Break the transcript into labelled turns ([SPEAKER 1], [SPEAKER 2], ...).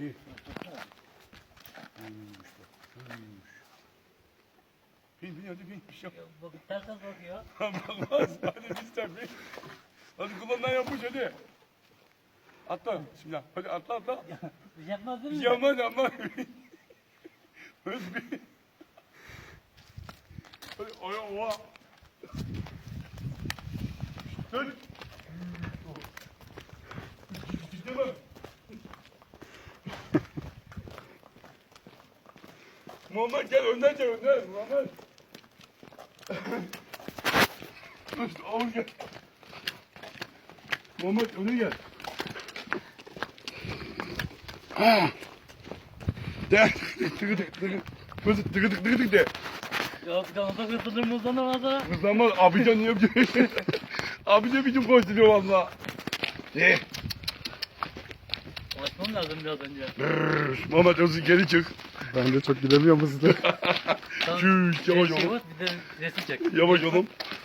[SPEAKER 1] İyi. Büyümüş bak. Büyümüş. Bin hadi bin. Bir şey yok.
[SPEAKER 2] Bak ters ters bakıyor.
[SPEAKER 1] Bakmaz. Hadi biz de bin. Hadi kulağından yapmış hadi. Atla. Bismillah. Hadi atla atla.
[SPEAKER 2] Bir şey yapmaz değil
[SPEAKER 1] Bir
[SPEAKER 2] mi?
[SPEAKER 1] şey yapmaz yapmaz. Hadi bin. Hadi oya oha. Dön. Gidemem. Muhammed gel önden gel önden. Muhammed. İşte oğlum gel. Muhammed öne gel. De. Tıkı tık tıkı. Tıkı tık tıkı tık de.
[SPEAKER 2] Ya kanata kırpılır mı uzanamaz.
[SPEAKER 1] Kızlanmaz. Abican niye yapıyor? Abican biçim koşturuyor valla. De.
[SPEAKER 2] Açmam lazım biraz önce.
[SPEAKER 1] Muhammed özü geri çık.
[SPEAKER 3] Ben de çok gidemiyorum hızlı.
[SPEAKER 2] Tamam.
[SPEAKER 1] Şuş yavaş
[SPEAKER 2] Bir şey
[SPEAKER 1] oğlum.
[SPEAKER 2] var, bir de resim çek.
[SPEAKER 1] Yavaş oğlum.